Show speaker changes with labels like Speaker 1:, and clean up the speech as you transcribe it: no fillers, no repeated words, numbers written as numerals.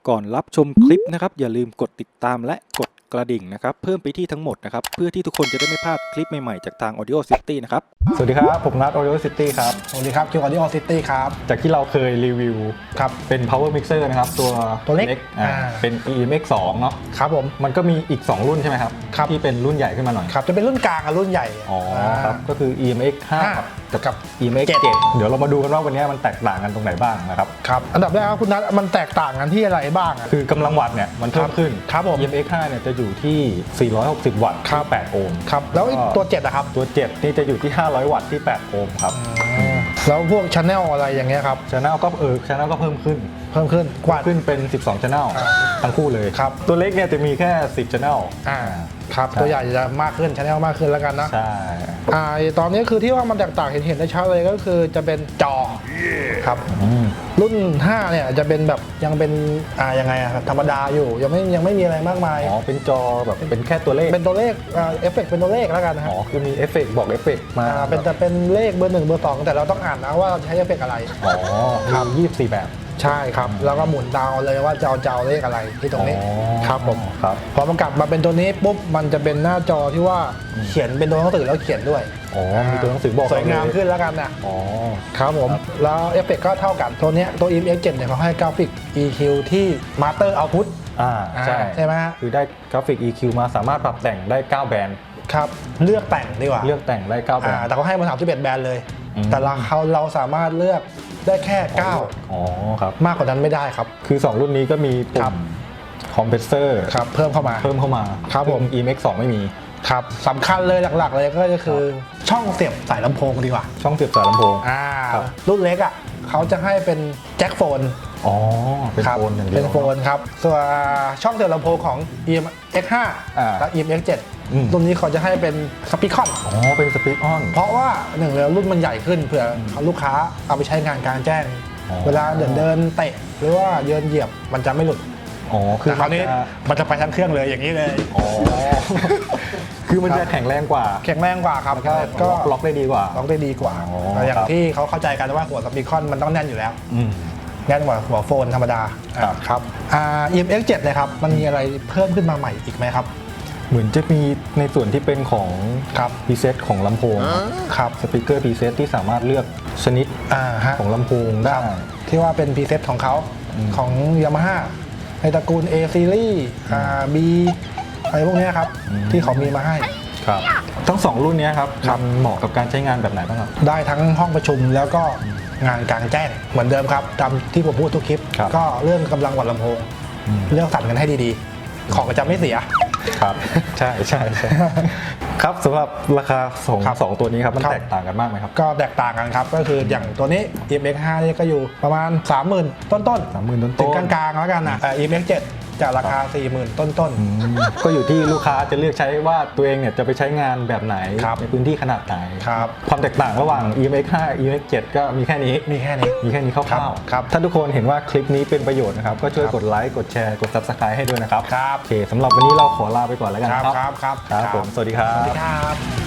Speaker 1: ก่อนรับชมคลิปนะครับอย่าลืมกดติดตามและกดกระดิ่งนะครับเพิ่มไปที่ทั้งหมดนะครับเพื่อที่ทุกคนจะได้ไม่พลาดคลิปใหม่ๆจากทาง Audio City นะครับ
Speaker 2: สวัสดีครับผมนัท Audio City ครับ
Speaker 3: สวัสดีครับคิว Audio City ครับ
Speaker 2: จากที่เราเคยรีวิว
Speaker 3: ครับ
Speaker 2: เป็น Power Mixer นะครับตัวเล็กเป็น EMX 2เนาะ
Speaker 3: ครับผม
Speaker 2: มันก็มีอีก2รุ่นใช่ไหมครับที่เป็นรุ่นใหญ่ขึ้นมาหน่อย
Speaker 3: ครับจะเป็นรุ่นกลางกับรุ่นใหญ่
Speaker 2: อ๋อครับก็คือ EMX 5กับ EMX 7เดี๋ยวเรามาดูกันว่าวันนี้มันแตกต่างกันตรงไหนบ้างนะครับ
Speaker 3: ครับอันดับแรกครับคุณนัทมันแตกต่างกันที่อะไรบ้าง
Speaker 2: คือกำลังวัตต์เนี่ยมันเพิ่มขึ้น
Speaker 3: ครับผม
Speaker 2: EMX 5เนี่ยจะอยู่ที่460วัตต์ที่8โอห์ม
Speaker 3: ครับแล้วตัว7นะครับ
Speaker 2: ตัว7นี่จะอยู่ที่500วัตต์ที่8โอห์มครับ
Speaker 3: แล้วพวก channel อะไรอย่างเงี้ยครับ
Speaker 2: channel ก็channel ก็เพิ่มขึ้น
Speaker 3: กว่า
Speaker 2: ขึ้นเป็น12 channel ทั้งคู่เลย
Speaker 3: ครับ
Speaker 2: ตัวเล็กเนี่ยจะมีแค่10 channel
Speaker 3: ครับตัวใหญ่จะมากขึ้น channel มากขึ้นแล้วกันนะ
Speaker 2: ใช่
Speaker 3: ตอนนี้คือที่ว่ามันแตกต่างเห็นได้ชัดเลยก็คือจะเป็นจอครับรุ่น5เนี่ยจะเป็นแบบยังเป็นยังไงธรรมดาอยู่ยังไม่มีอะไรมากมาย
Speaker 2: อ๋อเป็นจอแบบเป็นแค่ตัวเลข
Speaker 3: เป็นตัวเลขเอฟเฟกต์เป็นตัวเลขแล้วกันนะ
Speaker 2: อ๋อคือมีเอฟเฟกต์บอกเอฟเฟกต์มา
Speaker 3: เป็นเลขเบอร์1เบอร์2แต่เราต้องอ่านนะว่าเราใช้เอฟเฟกต์อะไร
Speaker 2: อ๋อครับ24แบบ
Speaker 3: ใช่ครับแล้วก็หมุนดาวเลยว่าจะเอาเลขอะไรที่ตรงนี้ครับผมพอมันกลับมาเป็นตัวนี้ปุ๊บมันจะเป็นหน้าจอที่ว่าเขียนเป็นตัวหนังสือแล้วเขียนด้วย
Speaker 2: อ๋อมีตัวหนังสือบอก
Speaker 3: สวยงามขึ้นแล้วกันนะ
Speaker 2: อ๋อ
Speaker 3: ครับผมแล้วเอฟเฟกต์ก็เท่ากันตัวนี้ตัว EMX 7เนี่ยเขาให้กราฟิก EQ ที่ Master Output ใช่ไหม
Speaker 2: คือได้กราฟิก EQ มาสามารถปรับแต่งได้9แบรนด์
Speaker 3: ครับเลือกแต่งดีกว่า
Speaker 2: เลือกแต่งได้9แบรนด์
Speaker 3: แต่เขาให้มา31แบรนด์เลยแต่เราสามารถเลือกได้แค่9
Speaker 2: อ๋อครับ
Speaker 3: มากกว่านั้นไม่ได้ครับ
Speaker 2: คือ2รุ่นนี้ก็มีปุ่มคอมเพรสเซอร์
Speaker 3: ครับเพิ่มเข้ามา
Speaker 2: ครับผม EMX 2ไม่มี
Speaker 3: ครับสำคัญเลยหลักๆเลยก็คือช่องเสียบสายลำโพงดีกว่า
Speaker 2: ช่องเสียบสายลำโพง
Speaker 3: รุ่นเล็กเขาจะให้เป็นแจ็คโฟน
Speaker 2: อ๋อเป็นโฟนอย่างเดียว
Speaker 3: เป็นโฟนครับส่วนช่องเสียบลำโพงของ EMX 5และ EMX 7รุ่นนี้เขาจะให้เป็นสปีกคอน
Speaker 2: อ๋อเป็นสปีกคอน
Speaker 3: เพราะว่าหนึ่งเลยรุ่นมันใหญ่ขึ้นเผื่อลูกค้าเอาไปใช้งานกลางแจ้งเวลาเดินเตะหรือว่าเดินเหยียบมันจะไม่หลุด
Speaker 2: อ๋อคือ
Speaker 3: คราวนี้มันจะไปทั้งเครื่องเลยอย่างนี้เลย
Speaker 2: อ๋อคือมันจะแข็งแรงกว่า
Speaker 3: ครับ
Speaker 2: ก็ล็อกได้ดีกว่า
Speaker 3: อย่างที่เขาเข้าใจกันว่าหัวสปีกคอนมันต้องแน่นอยู่แล้วแน่นกว่าหัวโฟนธรรมดาครับEMX 7เลยครับมันมีอะไรเพิ่มขึ้นมาใหม่อีกไหมครับ
Speaker 2: เหมือนจะมีในส่วนที่เป็นของพรีเซตของลำโพง
Speaker 3: ครับ
Speaker 2: สปีกเกอร์พรีเซตที่สามารถเลือกชนิดของลำโพงได้
Speaker 3: ที่ว่าเป็นพรีเซตของเขาของ Yamaha ในตระกูล A Series B อะไรพวกนี้ครับที่เขามีมาให้
Speaker 2: ครับทั้ง2รุ่นนี้ครับเหมาะกับการใช้งานแบบไหนบ้างครับ
Speaker 3: ได้ทั้งห้องประชุมแล้วก็งานกลางแจ้งเหมือนเดิมครับตามที่ผมพูดทุกคลิปก็เรื่องกำลังวัดลำโพงเรื่องสั่นกันให้ดีๆของจะไม่เสีย
Speaker 2: ครับใช่ครับสำหรับราคาสองตัวนี้ครับมันแตกต่างกันมากไหมครับ
Speaker 3: ก็แตกต่างกันครับก็คืออย่างตัวนี้ EMX 5นี่ก็อยู่ประมาณ 30,000 ต้นถึงกลางๆแล้วกันEMX 7จากราคา 40,000 ต้น
Speaker 2: ก็อยู่ที่ลูกค้าจะเลือกใช้ว่าตัวเองเนี่ยจะไปใช้งานแบบไหนในพื้นที่ขนาดไหนความแตกต่างระหว่าง EMX 5 EMX 7ก็มีแค่นี้คร่าวๆถ้าทุกคนเห็นว่าคลิปนี้เป็นประโยชน์นะครับก็ช่วยกดไลค์กดแชร์กด Subscribe ให้ด้วยนะครับโอเคสำหรับวันนี้เราขอลาไปก่อนแล้วกันครับผมสวัสดีครับ